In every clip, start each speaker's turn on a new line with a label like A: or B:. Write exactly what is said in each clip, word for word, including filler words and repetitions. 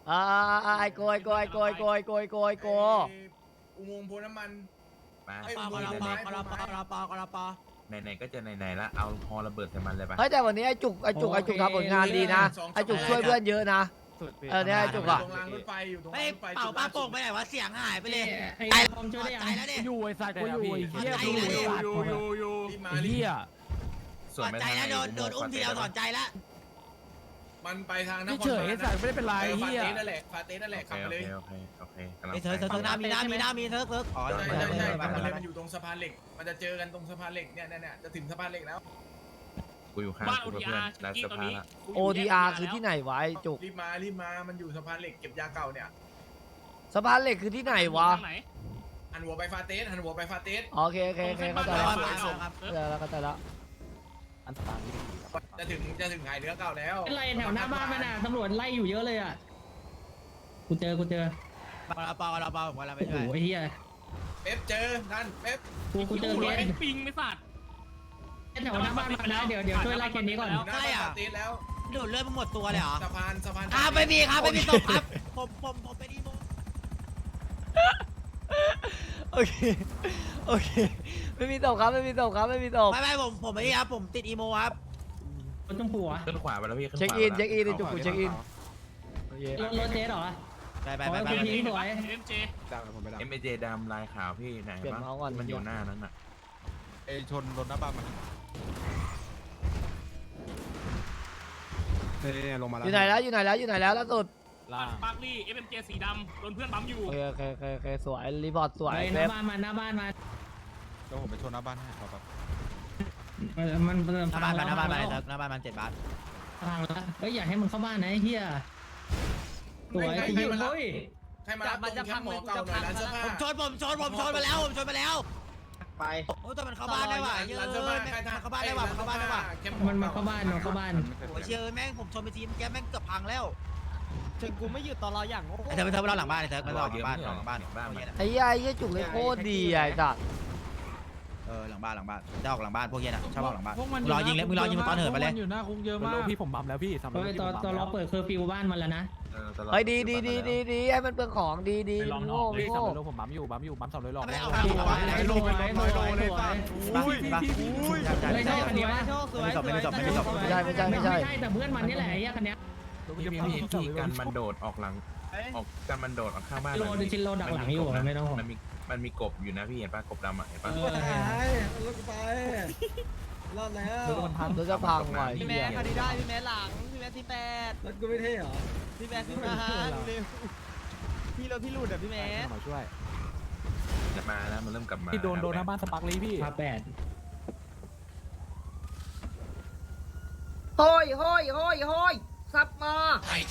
A: อ่าไอโกยโกยโกยโกยโกยโกยโก
B: อุโมงค์โพน้ำมัน
C: มา
B: ปากระปากระปากระปากระปา
C: ไหนๆก็จะไหนๆแล้วเอาฮอระเบิดใส่มันเลยปะ
A: เฮ้ยแต่วันนี้ไอจุกไอจุกไอจุกทำผลงานดีนะไอจุกช่วยเพื่อนเยอะนะเออเนี่ยไอจุกอะ
B: ตรงรางรถไฟอยู่ตรง
D: ไม่
B: รางรถไฟ
D: เป่าป้าโป่งไปไหนวะเสียงหายไปเลย
E: ไอ้ผมช่วยได้ยัง
D: ใจแล้วเนี่ย
E: อยู่ไอ้สัตว์กูอยู่ไอ้เหี้ย
D: ใจ
E: กู
D: แล้ว
E: อยู่
D: เนี่ย
B: อยู่อยู่อยู่รีบมา
E: ไอ้
B: รี
E: เหี้
B: บ
E: ย
C: ส่วน
D: ถอด
C: ไม่
D: ใจ
C: ทาง
D: แล้วโดนโดนอุ้มทีเดียวถอดใจแล้ว
B: มันไปทางน
E: ไม่
B: คร
E: เฉยไอ้สัตว์ไม่ได้เป็นไร
B: เออ
E: เหี้ย
B: ฟาเต้นั่นแหละฟาเต้นั่นแหละขับ
C: โอ
B: ไป
C: เค
B: เลย
C: โอเคโอเคกำลัง
D: ไอ้เธอเธอเธอหน้ามีหน้ามีหน้ามีเธอเธออ๋อ
B: ใช่ใช่ใช่ขับไปเลยมันอยู่ตรงสะพานเหล็กมันจะเจอกันตรงสะพานเหล็กเนี่ยเนี่ยเนี่ยจะถึงสะพานเหล็กแล้ว
C: กูอยู่ข้าง
F: บ้าน
C: กู
F: โอที
C: เพื่อ
F: อาน ร์
C: ร้าน
F: ที่
C: เสื้อ
F: ตอน
C: ผ้า
F: นี้
C: ละ
A: โอทีอาร์คือที่ไหนวะไอจุก
B: รีบมารีบมามันอยู่สะพานเหล็กเก็บยาเก่าเนี่ย
A: สะพานเหล็กคือที่ไหนวะ
F: ทางไหน
B: หันหัวไปฟาเต้หันหัวไปฟาเต้
A: โอเคโอเคโอเคเข้าใจแล้วเข้าใจแล้วเข้าใจแล้ว
E: อันตราย
B: จะถึงจะถึงหายเนื้อเก่าแล้ว
E: เป็นไรแถวหน้าบ้านมันอ่ะตำรวจไล่อยู่เยอะเลยอ่ะกูเจอกูเจอ
D: ปากระปากระปาผมกำลังไป
E: โอ้โห
D: ช่วย
E: ไอ้เหี้ย
B: เป๊ปเจอนั่นเป๊ป
E: กูกูเจอ
F: กู
E: เค
F: รถ
E: ส
F: เป็นปิงไม่สัตว์
E: แถวหน้าบ้านมันนะเดี๋ยวเดี๋ยวช่วยไล่เคสนี้ก่อน
B: หน้าฟาเต้แล้ว
D: โดนเลือดมันหมดตัวเลยเหรอ
B: สะพานสะพาน
D: ครับไม่มีครับไม่มีศพครับผมผมผมไปดีโม
A: โอเคโอเคไม่มีตกครับไม่มีตกครับไม่มีตก
D: ไม่ไม่ผมผมไม่ดีครับผมติดอีโมครับ
E: รถต้องผัว
C: ขึ้นขวาไปแล้วพี่ขึ้นข
A: เช็คว
C: า
A: อิน
C: ไป
A: เช็คอินไอ
C: แล้ว
A: จุกกูเช็คอินโอเค
E: รถรถเจ๊เหรอ
D: ไปไปไปไป
E: โอ้ยคุณยิง สวย
F: เอ็มเจ
C: เอ็มเอเจดำลายขาวพี่ไหน
A: เปลี่ยน
C: ปะ
A: เมาส์ก่อน
C: มันอยู่หน้านั้นน่ะ
G: ไอชนรถหน้าบ้านมันเนี่ยลงมาแล้ว
A: อยู่ไหนแล้วอยู่ไหนแล้วอยู่ไหนแล้วล่าสุด
E: ล่า
F: ปาร์คลี่เอ็มเจสีดำโดนเพื่อนปั๊มอยู่
A: โอเคโอเคโอเคโอเคสวยรีพอร์ตสวย
E: ห
A: เซ
E: น้า
A: ฟ
E: บ้านมันหน้าบ้านมัน
G: เดี๋ยวผมไปชนหน้าบ้านให้ครับ
E: มันมัน
D: หน้าบ้านมันหน้าบ้านมันหน้าบ้านมันเจ็ดบาท
E: พังแล้วเฮ้ยอยากให้มึงเข้าบ้านนะไอ้เหี้ยสวยจริงๆเฮ้ย
B: ใครมารับตรงแคมป์หมอเก่าหน่อยร้านเสื้อผ้า
D: ผมชนผมชนผมชนมาแล้วผมชนมาแล้ว
A: ไป
D: โอ้แต่มันเข้าบ้านได้ว่ะเยอะ
B: ร้าน
D: เล
B: เสื้อผ้าย
D: มันเข้าบ้านได้ว่ะมันเข้าบ้านได้ว่ะ
E: มันมาเข้าบ้านมันเข้าบ้าน
D: โอ้เชื่อแม่งผมชนไปทีมแกแม่งเกือบพังแล้ว
A: ถึงกูไม่หยุดตอนเราอย่างโง่
D: ไอ้เธอไปเธอไปรอหลังบ้านไอ้เธอไปรอหลังบ้านรอหลังบ้าน
C: บ้านมัน
A: ไอ้ยัยไอ้ยัยจุกเลยโคตรดีไอ้สัส
D: เออหลังบ้านหลังบ้านจะออกหลังบ้านพวกเนี้ยนะชอบออกหลังบ้าน
H: พวกมัน
D: รอยิงเลยมึงรอยิงตอนเหินไปเลย
H: อยู่หน้าคุกเยอะมากพี่ผมบัมแล้วพี่สำหรับ
E: เฮ้ยตอนตอนเราเปิดเคอร์ฟิวบ้านมันแล้วนะ
C: เออตลอด
A: เฮ้ยดีดีดีดีดีให้มันเปลืองของดีดี
H: ไปลองนอ
A: โง่
H: กเลยสาม
A: โง่
H: ร้อยโลผมบัมอยู่บัมอยู่บัมสามร้อยโล
D: ไม่เอา
E: สวยสวยสวยสวย
D: อุ้ยอุ้ย
E: ไม่ใช่คันนี้วะ
D: ไม่จบไม่จบไม่จบ
A: ไม่ใช่ไม่ใช่ไม่ใช่
E: ไม่ใช่แต่เพื่อนมันนี่แหละไอ้คันเนี้ย
C: พี่พี่พี่กันมันโดดออกหลังออกกันมันโดดออกข้างบ้าน
E: โลดิชินโลดักหลังอยู่ไม่ต้องห่วง
C: มันมีมันมีกบอยู่นะพี่เห็นปะกบดำอ่ะเห็นปะ
E: เออ
A: รถจะพังว่ะ
C: พี่
A: พี่
C: แม่
A: แม่
C: คันนี้ได้พี่แม่
A: รถกูไม่เท่เหรอ
H: มาช่วย
C: จะมาแล้วมันเริ่มกลับมา
H: พี่โดนโดนหน้าบ้านสปาร์คลีพี่
E: พาแปด
A: โฮ้ยโฮ้ยโฮ้ยโฮ้ยซับมา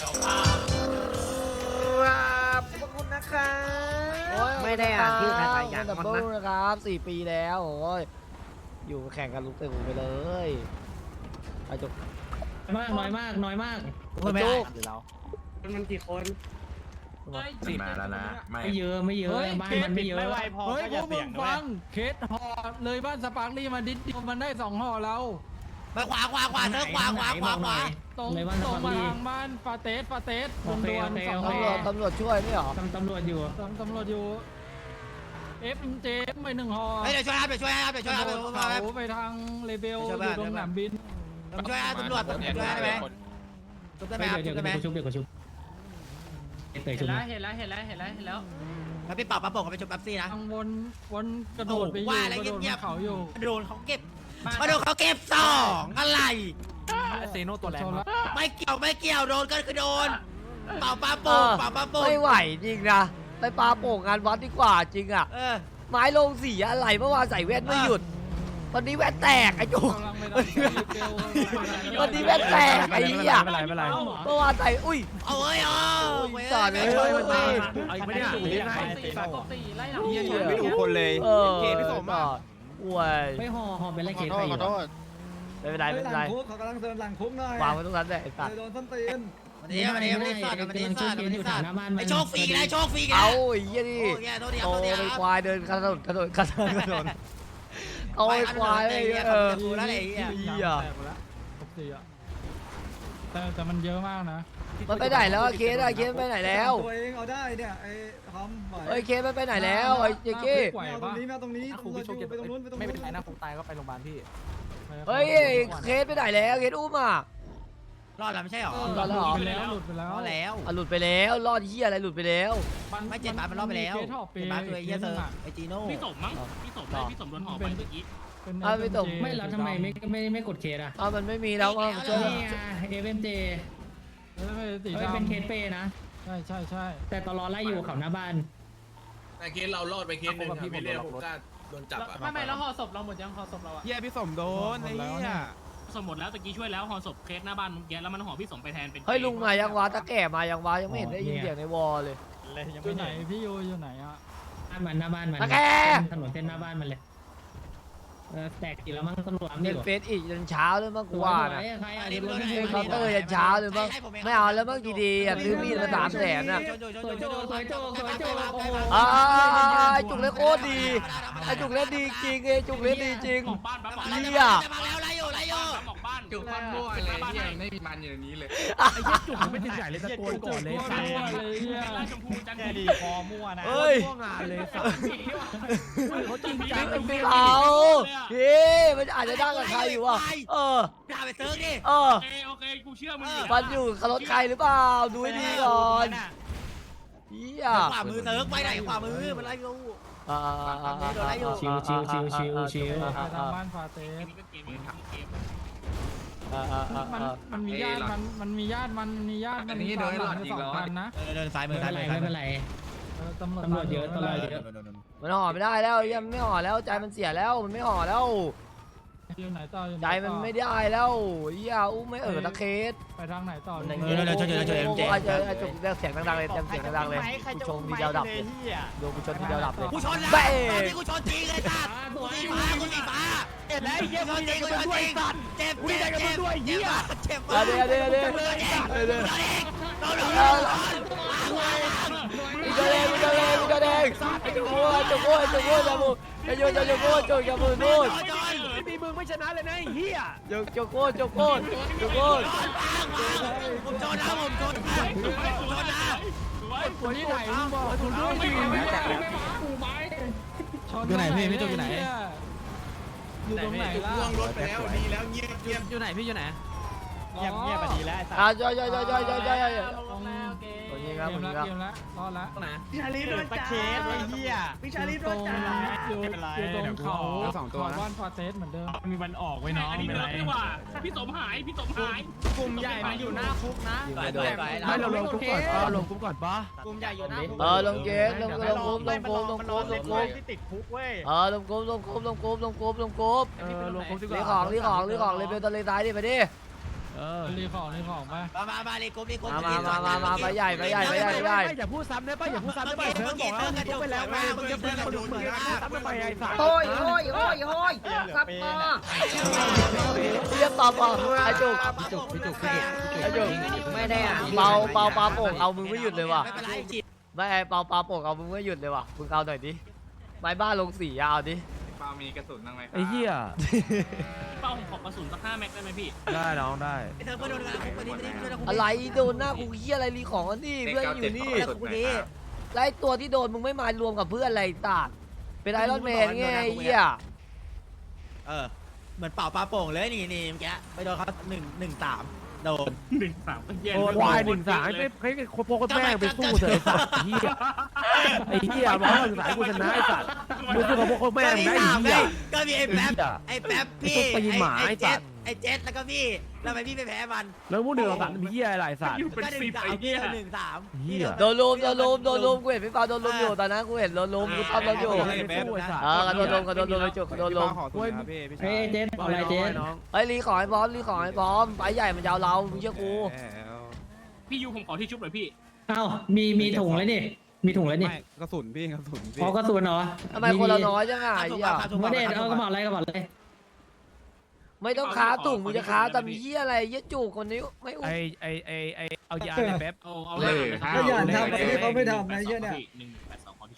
A: ครับขอบคุณนะครับไม่ได้อ่านชื่อใครอย่างมันนะครับสี่ปีแล้วโอ้ยอยู่แข่งกันลุกเตะไปเลยไอ้จุก
E: มากน้อยมากน้อยมาก
D: ไม่ได้
H: เดี๋ยวเรา
A: มันกี่คน
C: มันมาแล้วนะไม่
E: ไม่เยอะไม่เยอะบ้านมันไม่เยอะ
H: เฮ้ยพวกมึงฟังเคสห่อเลยบ้านสปาร์คลีมาดิดเดียวมันได้สองห่อแล้ว
D: ไปขวาขวาขวาเธอขวาขวาขวาขวา
H: ตรง
E: เลยบ้าน
H: ต
E: ส
H: รง
E: ปาร์ค
H: มา
E: ลี
H: ทางบ้านฟาเตสฟาเตส
E: โอ
H: โดน
E: เค
H: โดน
E: โอเค
H: สอง
E: โอ
H: ห่อ
E: เค
A: ตำรวจตำรวจช่วยไม่หรอ
E: ตำตำรวจอยู่
H: ตำตำรวจอยู่เอฟเจไปหนึ่งห่อ
D: เฮ้ยเดี๋ยวช่วยครับเดี๋ยวช่วยครับเดี๋ยวช่วยครับ
H: โด
D: เดี๋ยวน ช่วย
H: เขา
D: ครับ
H: ไปทางเลเบล
D: ไปช่
H: อ
D: วยบ้าน
H: ยู่ตรงสนามบิน
D: ช่วยครับตำรวจช่วยได้ไหมช่วยได้ไหมครับ
E: เดี๋ยว
D: ช่วยได้ไหม
E: เดี๋ยวกูชุบเดี๋ยวกูชุบเตยชุ
F: เห็
E: บ
F: นแล้วเห็นแล้วเห็นแล้วเห็นแล้วเห็นแล้ว
D: แล้วพี่ปรับปรับปกกับไปชุบแป๊บซี่นะ
H: ทางวนวนกระโดดไปอยู่
D: ว่าอะไร
H: กระโดด
D: เงียบๆ
H: เขาอยู่
D: โดนเขาเก็บมาโดนเขาเก็บสองอะไร
H: เซโนตัวแรงมาก
D: ไม่เกี่ยวไม่เกี่ยวโดนก็คือโดนเป่าปลาโป่งเป่าปลาโป่ง
A: ไม่ไหวจริงนะไปปาโป่งงานวัดดีกว่าจริงอ่ะ
D: เออ
A: ไม้ลงสีอะไรเมื่อวานใส่แว่นไม่หยุดวันนี้แว่นแตกไอ้จุก
H: กำลังไปทางเลเบล
A: วันนี้แว่นแตกไอ้เหี้ย
H: ไม่เป็นไรไม่เป็นไร
A: เมื่อวานใส่อุ้ย
D: เอาเอ้ยเอา
A: สอดเลย
D: ช่วยมัน
A: เอ้ย
H: ไอ้ไม่ได้ถูกยังไง
F: สี่ฝากกสี่ไล่หลัง
A: เหี้ย
G: ไม่ถูกคนเลย
A: เออ
G: เกพี่สมอ่ะ
A: อวย
E: ไม่ห่อห่อเป็นไรเคสไปอยู่
A: ไม่เป็นไรไม่เป็นไร
I: เขากำลังเดินหลังคุกหน่อยว
A: างไว้ตรงนั้นแหละไอ้สัตว์
I: โดนส้นตีน
D: วันนี้วันนี้วันนี้สัตว์วันนี้สัตว์วันนี้สัตว์
E: หน้าบ้านมัน
D: ไอโชคฟรีนะโชคฟรีนะ
A: เอาไอ้เหี้ย
D: โอ้
A: นี่
D: ยโทษทีครั
A: โต
D: บโทษทีค
A: ไป
D: รับ
A: ควายเดินกระโดดกระโดดกระโดดกระโดดเอาไอ้ควายไอ้เหี้ยเออ
D: กูแล้วไอ้เหี้ย
A: เหี้ย
H: แตกหมดแล้วครบสี่อ่ะแต่แต่มันเยอะมากนะ
A: มันไปไหนแล้วอะเคสอะเคสไปไหนแล้ว
I: ตัวเองเอาได้เนี่ยไอ้ทอมไหว
A: เฮ้ยเคสมันไปไหนแล้วไอ้เจ๊กี้
I: ไม่เอาตรงนี้ไม่เอาตรงนี้ตรงนู้นไปตรงนู้นไปตรงนู้น
H: ไม่เป็นไรนะคงตายก็ไปโรงพยาบาลพี่
A: เฮ้ยเคสไปไหนแล้วเคสอุ้มอ่ะ
D: รอดแล้วไม่ใช่หรอ
A: รอดแล้วเหรอ
H: หลุดไปแล้วหลุดไปแล้ว
D: รอดแล้ว
A: อ่ะหลุดไปแล้วรอดเฮียอะไรหลุดไปแล้ว
D: ไม่เจ็ดบาทมันรอดไปแล้ว
H: เคสห่อเป
D: เจ็ดบาทตัวไอ้เหี้ยเซอร์ไอจีโน่
F: พี่สมมั้งพี่สมเลยพี่สมโดนห่อไปเมื่อกี้
A: อ่ะไม่ตก
E: ไม่แล้วทำไมไม่ไม่ไม่กดเคสอ่ะ
A: อ้าวมันไม่มีแล้วอ่ะช่วย
E: นี่ไงเอฟเอ็มเจ
H: เออสี
E: เฮ้ย
H: ดำ
E: เป็นเคสเปนะ
H: ใช่ใช่ใช่
E: แต่ตลอไล่อยู่เขาหน้าบ้าน
B: แต่เคสเรารอดไปเคสหนึ่งครับพี่เรียกผมก็โดนจับอ่ะ
F: ไม่ไม่แล้วห่อศพเราหมดยังห่อศพเราอะ
G: เฮียพี่สมโดนไอ้เฮีย
F: สมหมดแล้วตะกี้ช่วยแล้วห่อศพเคสหน้าบ้านเมื่อกี้แล้วมันห่อพี่สมไปแทนเป็น
A: เฮ้ยลุงมายังวะตะแก่มายังวะยังไม่เห็นได้ยินเสียงในวอลเลย
H: อยู่ไหนพี่ยูอยู่ไหนอ่ะ
E: บ้านมันหน้าบ้านมัน
A: ตะแก
E: ถนนเส้นหน้าบ้านมันเลยเออแตกกี่แล้วมั้งตำรวจ
A: เล่
E: นี่
A: น
E: หรอ
A: เฟซอีกจนเช้าเลยมั้งกูว่านะ
E: ใครอ่ะเดี๋ยว
A: เล่นเคาน์เตอร์ยันเช้าเลยมั้งไม่เอาแล้วมั้งดีๆอ่ะซื้อมีดมาสามแสนอ่ะ
E: สวยโจสวยโจสวยโจโอ้โห
A: อ่าไอ้จุกเล่นโคตรดีไอ้จุกเล่นดีจริงไอ้จุกเล่นดีจริง
F: หมอกบ้านปั๊บหมอก
A: เหี้
F: บ้าน
A: ย
D: มาแล้วไล่อยู่ไล่อยู่
F: หมอกบ้าน
C: จุกมันมั่วเลยเฮียไม่มีมันอยู่ในนี้เลย
H: จุกไม่ถึงไหนเลยตะโกนก่อนเลยใครเลยเฮีย
F: ราชมพูจันทร์ดี
H: คอมั่วนะ
A: เฮ้ย
H: มั่วงานเลยสัตว์
F: เขาจริง
A: ไม่ไม่เอาพี่มันอาจจะได้กับใครอยู่อ่ะเออ
D: ด่าไปเซิร์ฟดิ
A: เออ
F: โอเคโอเคกูเชื่อมึง
A: มันอยู่กับรถใครหรือเปล่าดูให้ดีก่อนเฮีย
D: ขวามือเซิร์ฟไปไหนขวามือมันไล่กู
A: อ่า
E: ชิวชิวชิวชิวชิว
H: ไปทางบ้านฟาเตส
F: นี่ก็เกมนี้เกม
H: มันมันมีญาติมันมันมีญาติมันมีญาติมันมีสามหลังสองพันนะ
D: เดินซ้ายมื
E: ไม่
D: อ
E: เป็
D: ซ้าน ย
E: ไร
D: มือ
E: ไม่เป็นไร
H: เออตำรวจ
E: ตำรวจเยอะตำรวจเยอะ
A: มันห่อไม่ได้แล้วยังไม่ห่อแล้วใจมันเสียแล้วมันไม่ห่อแล้ว
H: อยู่ไหนต่ออยู่ไหน
A: ใจมันไม่ได้แล้วเฮียอุ้มไม่เออตะเคส
H: ไปทางไหนต่อ
A: ไอ้จุกเรียกเสียงดังๆเลยเต็มเสียงดังๆเลยกูชมทีเดียวดับเลยดูกูชนทีเดียวดับเลย
D: กูชนแล้ว
A: เบ้
D: นี่กูชนจริงเลยสัตว์กูสีฟ้ากูสีฟ้าเจ็บแล้วไอ้เหี้ยกูชนจริงกูชนจริงเจ็บเจ็บเจ็บด้วยเหี้ยเจ็บ
A: เดี๋ยวเดี๋ยวเดี๋ยว
D: เจ็บ
A: เดี๋ยวเดี๋ยว
D: โดนโดนโดน
A: กูจะเด้งกูจะเด้งกูจะเด้งไอ้จุกโง่ไอ้จุกโง่ไอ้จุกโง่จะมูไอ้จุกจะจุกโง่จุกจะมูนู่น
D: มีมึงไม่ชนะเลยนะไอ้เหี้ย
A: จุกจุกโง่จุกโง่จุกโง่
D: ผมชนนะผมชนนะผมชนนะ
H: คนที่ไหนมึงบอกคุณด้วยดิ
G: อยู่ไหนพี่พี่จุกอยู่ไหน
H: อยู่ตรงไหนล่ะ
B: ล่วงรถไปแล้วดีแล้วเงียบเงียบ
H: อยู่ไหนพี่อยู่ไหน
I: เงียบเงียบไปดีแล้ว
A: อ่ะย่อยย่อยย่อยย่อยย่อยย่อยย่อย
H: ตรงนี้
A: คนยิง
H: เก
A: ครับ
H: ม
A: คนยิ
H: ละ
A: งครับ
H: เกมละรอดละ
I: พี่ชาลีโดนจับเคสไอ้เหี้ยพี่ชาลีโดนจับ
H: อยู่อยู่ตรงเขาบ้านฟาเตสเหมือนเดิม
F: มีวันออกไว้น้องอันนี้เนิร์ดดีกว่าพี่สมหายพี่สมหาย
H: กลุ่มใหญ่มันอยู่หน้าคุกนะ
A: ยิงไม่โดน
E: ไม่เราลงคุกก่อนป้าลงคุกก่อนป้าก
H: ลุ่มใหญ่อยู่หน้าคุก
A: เออลงเกมลงลงกรุ๊ปลงกรุ๊ปลงกรุ๊ปลงกรุ๊ป
I: ที่ติดคุกเว้ย
A: เออลงกรุ๊ปลงกรุ๊ปลงกรุ๊ปลงกรุ๊ปลงกรุ๊ป
H: เออลงคุกดีก
A: รี
H: ว่า
A: ของรีของรีของเลยเบลตะเลซ้ายดิไปดิ
H: เออรีของรีของไป
D: มามามาเลยกบเลยกบ
A: มามามามาไปใหญ่ไปใหญ่ไปใหญ่ไปใหญ่
H: อย่าพูดซ้ำได้ป่ะอย่าพูดซ้ำได้ป่ะเพิ่งบอกแล้วพูดไปแล้วไงมึงจะพูดคนอื่นเหมือนกันซ้ำไปไอ้สัตว์
A: โอ้ยโอ้ยโอ้ยโอ้ยซับมาเรียกปอปอไอจุก
D: พี่จุกพี่จุกพี่จุก
A: ไอจุก
D: ไม่ได้อ่ะ
A: เปาเปาปาโป่งเอามึงไม่หยุดเลยว่ะ
D: ไม่เป็นไรจิต
A: ไม่ไอเปาปาโป่งเอามึงไม่หยุดเลยว่ะมึงเอาหน่อยดิไปบ้านลงสีเอาดิ
C: ปามีกระสุนบ้างไหม
H: ไอ้เหี้ย
F: เป้าผมขอกระสุนสักห้าแม็กได้ไหมพี่
H: ได้น้องได้
D: ไอ้เธอเพื่อนโดนงานคุกไปนี่ไม่ได้ช่วยนะคุก
A: อะไรโดนหน้ากูเฮียอะไรรีของกันนี่เพื่อนอยู่นี่
D: แล้วคุกนี้
A: แล้วไอตัวที่โดนมึงไม่มารวมกับเพื่อนอะไรตาดเป็นไอรอนแมนไงไอ้เฮีย
D: เออเหมือนเป่าปลาโป่งเลยนี่นี่เมื่อกี้ไปโดนเขาหนึ่งหนึ่งสามโดน
F: หนึ่งสามเย็น
H: ควายหนึ่งสามไอ้ไอ้คนพวกแม่งไปสู้เถอะไอ้สัตว์เหี้ยไอ้เหี้ยบอกว่าหนึ่งสามกูชนะไอ้สัตว์มึงสู้กับพวกแม่งได้ไอ้เหี้ย
D: ก็มีไอ้แป๊บไอ้แป๊บพี่
H: ไอ้หมาไอ้สั
D: เจ็
H: ต
D: ด
H: ว์
D: ไอ้เจ็ดแล้วก็พี่แล้วทำไมพี่ไปแพ้มัน
H: แล้วพวกหนึ่งสามมีเหี้ยอะไรสัตว์
F: อยู่เป็น
D: ก็หนึ่
F: สิ
D: ง
F: บ
D: สาม
F: ไอ้
D: พี่
F: เหี้ย
D: หนึ่งสาม
H: เหี้ย
A: โดนลุมโดนลุมโดนลุมกูเห็นพี่ปาโดนลุมอยู่ตอนนั้นกูเห็นโดนลุมกูทำรถอยู่
H: สู้ไอ้สัตว์
A: เออโดนลุมก็โดนลุมไปจุกโดนลุม
G: ขอตัวครับพี่พี่ชา
E: เฮ้ย
G: ย
E: เจ๊เอาอะไรเจ๊
A: เฮ้ยรีของไอ้บอมรีของไอ้บอมไปใหญ่มันยาวเรามึงเชื่อกู
F: พี่ยูผมขอที่ชุบหน่อยพี่
E: เอ้ามีมีถุงแล้วนี่มีถุงแล้วนี่
G: ไม่กระสุนพี่กระสุนพี่
E: พอกระสุนเหรอ
A: ทำไมคนเราน้อยจังอ่ะไอ้เหี้ย
E: ไม่ได้เอากระบอกอะไรกระบอกเลย
A: ไม่ต้องค้าตุ่งมึงจะค้าแต่มีเหี้ยอะไรเหี้ยจุกคนนี้ไม่อุ้ม
H: ไอ้ไอ้ไอ้ไอ้เอายาเลยแป๊บ
F: เอาเอา
B: เลย
F: เลย
I: ก็อย่าทำอะไรที่เขาไม่ทำนะเหี้ยเนี่ย
F: หนึ่งแปดสองขอที่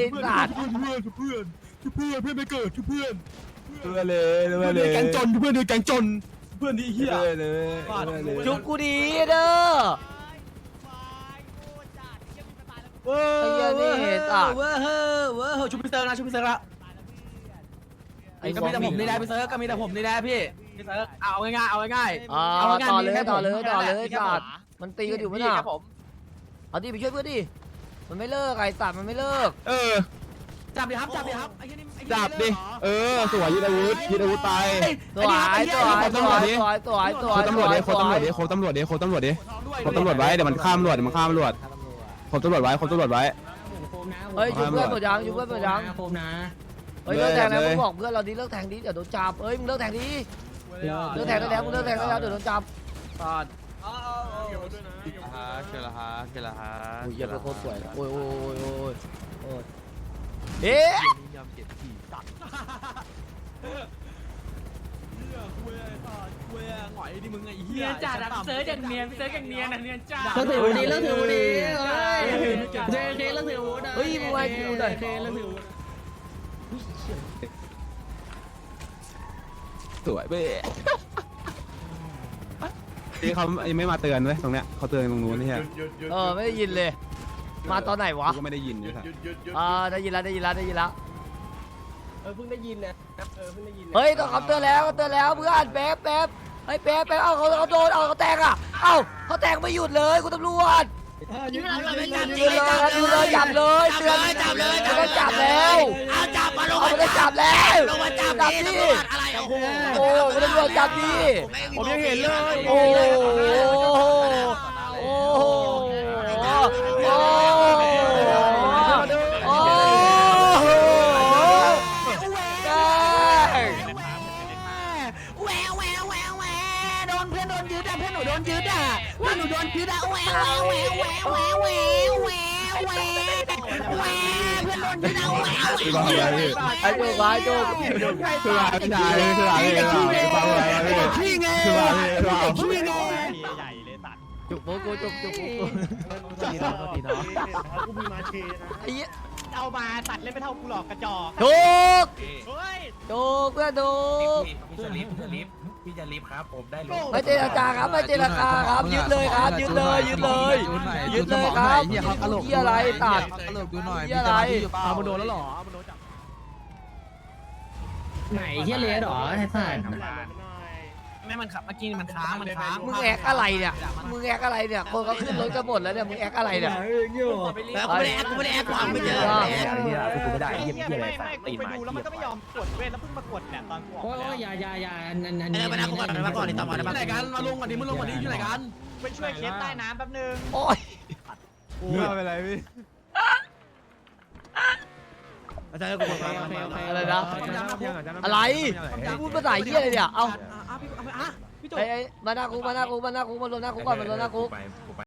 A: สัตว์
G: เพื่อนเพื่อนเพื่อนเพื่อนเพื่อนไม่เกิดเพื่อน
C: เพื่อนเลยเพื่อนเลย
G: แกงจนเพื่อนแกงจนเพื่อนที่เฮีย
C: เพื่อนเลย
A: จุกกูดีเด้อไอ้เหี้ยนี่สัตว์
D: เว้อเฮ้อเว้อเฮ้อชุบพี่เซิร์ฟนะชุบพี่เซิร์ฟละ
A: ไอ้
D: ก็มีแต่ผมนี่แหละพี่เซิร์ฟก็มีแต่ผมนี่แหละพี่พี่เซิร์ฟเอาง่ายๆเอาง่าย
A: อ่า
D: เอาง่ายๆ
A: ต่อเลย
D: มีแค่
A: ต่อเลย
D: ผม
A: ต่อเลย
D: มีแค่
A: สัต
D: ผม
A: ว์มันตีกันอยู่มั้ย
D: พี่
A: น่ะ
D: ครับผม
A: เอาดิไปช่วยเพื่อนดิมันไม่เลิกไอ้สัตว์มันไม่เลิก
G: เออ
D: จับดิครับจับดิครับไอ้เหี้ยนี่ไอ้เหี้ย
G: จับดิ
D: นี่เหรอ
G: เออสวยยึดอาวุธยึดอาวุธไป
A: สวยสวยสวยสวยสวยสวย
G: โคตำรวจดิโคตำรวจดิโคตำรวจดิโคตำรวจดิโคตำรวจไว้เดี๋ยวมันข้ามตำรวจเดี๋ยวมันข้ามตำรวจโคตำรวจไว้โคตำรวจไว้
A: เฮ้ยช่วยเพื่อนหมดยังช่วยเพื่อนหมดยัง
E: โคมนะ
A: เฮ้ยเลิกแทงแล้วมึงบอกเพื่อนเราดิเลิกแทงดิเดี๋ยวโดนจับเฮ้ยมึงเลิกแทงดิเลิกแทงได้แล้วมึงเลิกแทงได้แล้วเดี๋ยวโดนจับสัตว์
G: ฮะเชลฮะเชลฮะ
A: โอ้ยเหี้ยเป็นโคตรสวยโอ้ยโอ้ยโอ้ยโอ้ยเอ๊ะ
F: เนียนจัดอะพี่เซิร์ฟอย่างเนียนพี่เซิร์ฟอย่างเนียนอะเนียนจัด
E: เลิกถือวุฒิเลิกถือวุฒิเฮ้ยเจเคเลิกถือวุฒิ
A: เฮ้ยมึงไว้กูหน่อย
E: เคเลิกถือวุฒิ
G: สวยเบ้ที่เขายังไม่มาเตือนเว้ยตรงเนี้ยเขาเตือนตรงนู้นนี่
B: ห
G: ฮะ
B: ยุดหยุดหยุด
A: เออไม่ได้ยินเลย มาตอนไหนวะ
G: กูก็ไม่ได้ยิน
B: หยุ
G: นี่
B: ด
G: ครับ
B: หยุดหยุดหยุด
A: อ่าได้ยินแล้วได้ยินแล้วได้ยินแล้ว
H: เออเพิ่งได้ยินนะเออเพิ่งได้ยิน
A: เฮ้ยต้องเขาเตือนแล้วเขาเตือนแล้วเพื่อนแป๊บแป๊บเฮ้ยแป๊บแป๊บเอาเขาเขาโดนเอาเขาแตกอ่ะเอ้าเขาแตกไม่หยุดเลยคุณตำรวจ
D: ยืนเลยจับ
A: ยืนเลยยืนเลยจับเลยเตือน
D: จับเลย
A: ไม่ต้องจับแล้ว
D: เอาจับมาลง
A: เอาไม่ต้องจับแล้ว
D: ลงมาจับ
A: จับ
D: ดิ
A: ดิ
D: อะไรโอ้โห
A: โอ้ไม่ต้องรอจับดิ
H: ผมยังเห็นเลย
A: โอ้โหโอ้โหโอ้โหโอ้โหแดง
D: แหววแหววแหววแหวโดนเพื่อนโดนยึดอ่ะเพื่อนหนูโดนยึดอ่ะเพื่อนหนูโดนยึดอ่ะแหววแหววแหววแหววแหววแหววแหววแหววแหวเพื่อนโดนยึดอ่ะแหวว
G: คือว่าอะไรพี่
A: ไอ้โจ้ไอ้โจ้
G: คือว่าพี่ชายคือว่าพี่คือว่าพี่คือว่าพี่คือว่าพี่
I: ใหญ่เลยสัตว์
A: จุกโบกูจุกจุกกู
H: ดีเนาะดีเนาะ
I: กูมีมาเชนะ
A: ไอ้เหี้ย
I: เอามาตัดเล่นไม่เท่ากูหลอกกระจอก
A: ถูก
I: เฮ้ย
A: ถูกเพื่อนถูก
C: พี่จะรีบพี่จะรีบพี่จะรีบครับผมได้รู้
A: ไม่เจรจาครับไม่เจรจาครับยึดเลยครับยึดเลยยึดเลยยึดเลยครับที่อะไรตัด
G: ตลกดูหน่อย
A: ที่อะไร
H: เอามันโดนแล้วหรอเอามันโดนจับ
E: ไหนเฮียเลสหรอไอ้สัตว์
F: ไม่มันขับเมื่อกี้มันค้างมันค้าง
A: มึงแอกอะไรเนี่ยมึงแอกอะไรเนี่ยคนเขาขึ้นรถกันหมดแล้วเนี่ยมึงแอกอะไรเนี่ย
D: แล้วกูไม่ได้แอคกูไม่ได้แอคกูหาไม่เจอ
H: กูไม่ได้เยี่ยม
I: ไม่
H: เยี่ยม
I: ไม่ไม่กูไปดูแล้วมันก็ไม่ยอมกดเว้นแล้วเพิ่งมากดเนี่ยตอนกูออก
E: โอ้
I: มาแล้ว
E: ยอย่าอย่าอย่าอันอันอัน
D: เออมานั่งกูก่อนมาก่อนนี่ต่อมาได้ปะ
H: มาลงก่อนดิมึงลงก่อนดิอยู่ไหนกัน
I: ไปช่วยเคสใต้น้ำแป๊บนึง
A: โอ้ย
H: ไม่เป็นไรพี่
D: อาจารย์กูบอกมา
A: อะไรนะอะไรพูดภาษาเหี้ยอะไรเนี่ยเอ้า
H: พี่
A: ไอ้ไอ้มาหน้าคุกมาหน้าคุกมาหน้าคุกมารวมหน้าคุกก่อนมารวมหน้าคุก
C: ไปกูไป